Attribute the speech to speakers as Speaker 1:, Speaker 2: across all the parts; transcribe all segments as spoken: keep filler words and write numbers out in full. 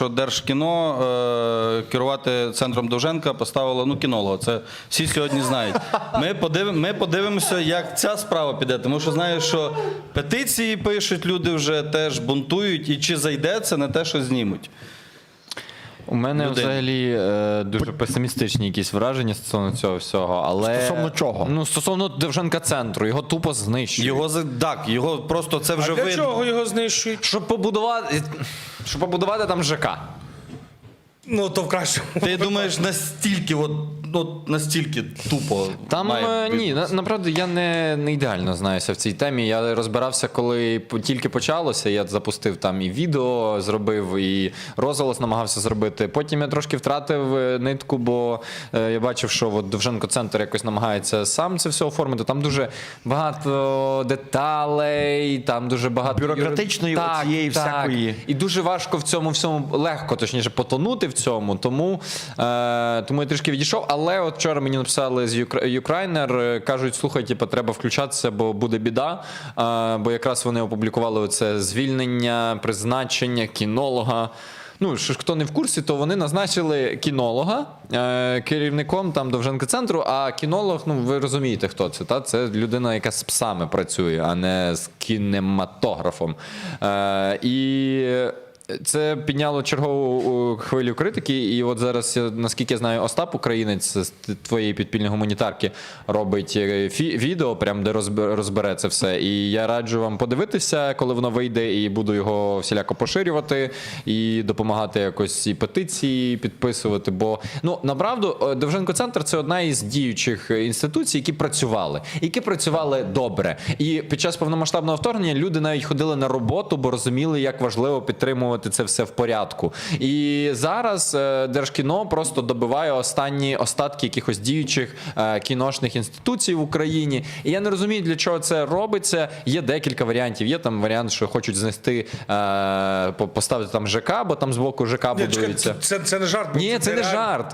Speaker 1: що Держкіно е, керувати центром Довженка поставило, ну, кінолога. Це всі сьогодні знають. Ми, подив, ми подивимося, як ця справа піде, тому що знаю, що петиції пишуть, люди вже теж бунтують, і чи зайде, це не те, що знімуть.
Speaker 2: У мене
Speaker 1: Людей.
Speaker 2: взагалі е, дуже песимістичні якісь враження стосовно цього всього, але...
Speaker 3: Стосовно чого?
Speaker 2: Ну, стосовно Довженка центру, його тупо знищують.
Speaker 1: Його, за- так, його просто це вже
Speaker 4: А для
Speaker 1: видно.
Speaker 4: чого його знищують?
Speaker 2: Щоб побудувати, щоб побудувати там ЖК.
Speaker 4: Ну, то в кращому.
Speaker 1: Ти думаєш, настільки, от, от, настільки тупо
Speaker 2: Там
Speaker 1: має
Speaker 2: е, ні,
Speaker 1: відбутися?
Speaker 2: на, направду я не, не ідеально знаюся в цій темі. Я розбирався, коли по- тільки почалося. Я запустив там і відео, зробив, і розголос намагався зробити. Потім я трошки втратив е, нитку, бо е, я бачив, що от Довженко центр якось намагається сам це все оформити. Там дуже багато деталей, там дуже багато
Speaker 3: Бюрократичної
Speaker 2: Так,
Speaker 3: оцієї
Speaker 2: так.
Speaker 3: всякої.
Speaker 2: І дуже важко в цьому всьому, легко, точніше, потонути в цьому. Тому, е, тому я трішки відійшов. Але от вчора мені написали з Юкрайнер, е, кажуть, слухай, типу, треба включатися, бо буде біда. Е, бо якраз вони опублікували оце звільнення, призначення кінолога. Ну, що ж, хто не в курсі, то вони назначили кінолога е, керівником там Довженка центру, а кінолог, ну ви розумієте, хто це, та? Це людина, яка з псами працює, а не з кінематографом. Е, і це підняло чергову хвилю критики, і от зараз, наскільки я знаю, Остап Українець з твоєї підпільної гуманітарки робить фі- відео, прям де розбере, розбере це все. І я раджу вам подивитися, коли воно вийде, і буду його всіляко поширювати, і допомагати якось і петиції підписувати. Бо, ну, направду, Довженко центр – це одна із діючих інституцій, які працювали, які працювали добре. І під час повномасштабного вторгнення люди навіть ходили на роботу, бо розуміли, як важливо підтримувати це все в порядку. І зараз е, Держкіно просто добиває останні остатки якихось діючих е, кіношних інституцій в Україні. І я не розумію, для чого це робиться. Є декілька варіантів. Є там варіант, що хочуть знести, е, по- поставити там ЖК, бо там збоку ЖК
Speaker 4: Ні, чекай,
Speaker 2: будується.
Speaker 4: це, це не жарт. бо
Speaker 2: Ні, це не
Speaker 4: реально.
Speaker 2: жарт.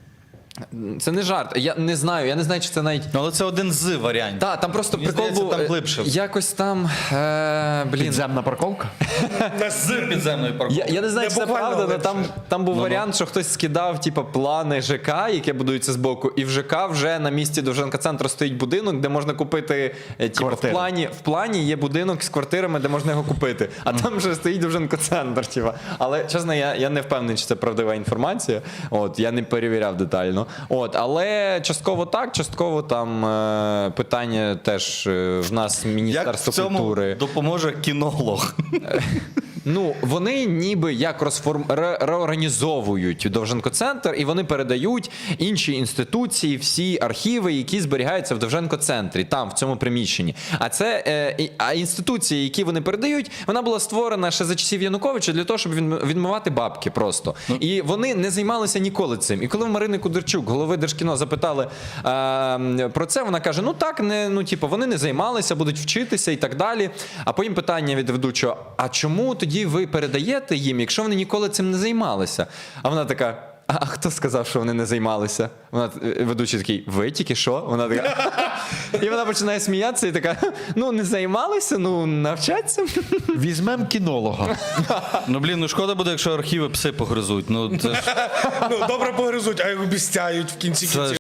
Speaker 2: Це не жарт. Я не знаю. Я не знаю, чи це навіть...
Speaker 1: Ну, але це один з варіантів.
Speaker 2: Так, там просто
Speaker 1: Мені
Speaker 2: прикол
Speaker 1: здається,
Speaker 2: був,
Speaker 1: там
Speaker 2: е,
Speaker 1: глибше.
Speaker 2: якось там, е, блін.
Speaker 3: Підземна парковка?
Speaker 1: З підземної парковки.
Speaker 2: Я, я не знаю,
Speaker 4: Не
Speaker 2: чи це
Speaker 4: буквально
Speaker 2: правда, але
Speaker 4: легше.
Speaker 2: там, там був
Speaker 1: Ну-ну.
Speaker 2: варіант, що хтось скидав типу, плани ЖК, яке будується збоку, і в ЖК вже на місці Довженка центру стоїть будинок, де можна купити, е, типу, в
Speaker 3: Квартири.
Speaker 2: плані, в плані є будинок з квартирами, де можна його купити, а там вже стоїть Довженко центр. Типу. Але, чесно, я, я не впевнений, чи це правдива інформація, от, я не перевіряв детально. От, але частково так, частково там е, питання теж е, в нас
Speaker 1: Як в
Speaker 2: Міністерство
Speaker 1: цьому
Speaker 2: культури.
Speaker 1: допоможе кінолог?
Speaker 2: Ну, вони ніби як розформ... ре- реорганізовують Довженко-центр, і вони передають інші інституції, всі архіви, які зберігаються в Довженко-центрі, там, в цьому приміщенні. А це е, і- а інституції, які вони передають, вона була створена ще за часів Януковича для того, щоб відм- відмивати бабки просто. І вони не займалися ніколи цим. І коли в Марини Кудерчук, голови Держкіно, запитали е, про це, вона каже, ну так, не, ну, типу, вони не займалися, будуть вчитися і так далі. А потім питання від ведучого, а чому тоді ви передаєте їм, якщо вони ніколи цим не займалися? А вона така, а, а хто сказав, що вони не займалися? Вона, е, ведучий такий, ви тільки що? Вона така, і вона починає сміятися і така, ну не займалися, ну навчаться.
Speaker 3: Візьмем кінолога.
Speaker 1: Ну, блін, ну шкода буде, якщо архіви пси погризуть. Ну, це ж
Speaker 4: Ну, добре погризуть, а їх обіцяють в кінці
Speaker 1: Це
Speaker 4: кінців.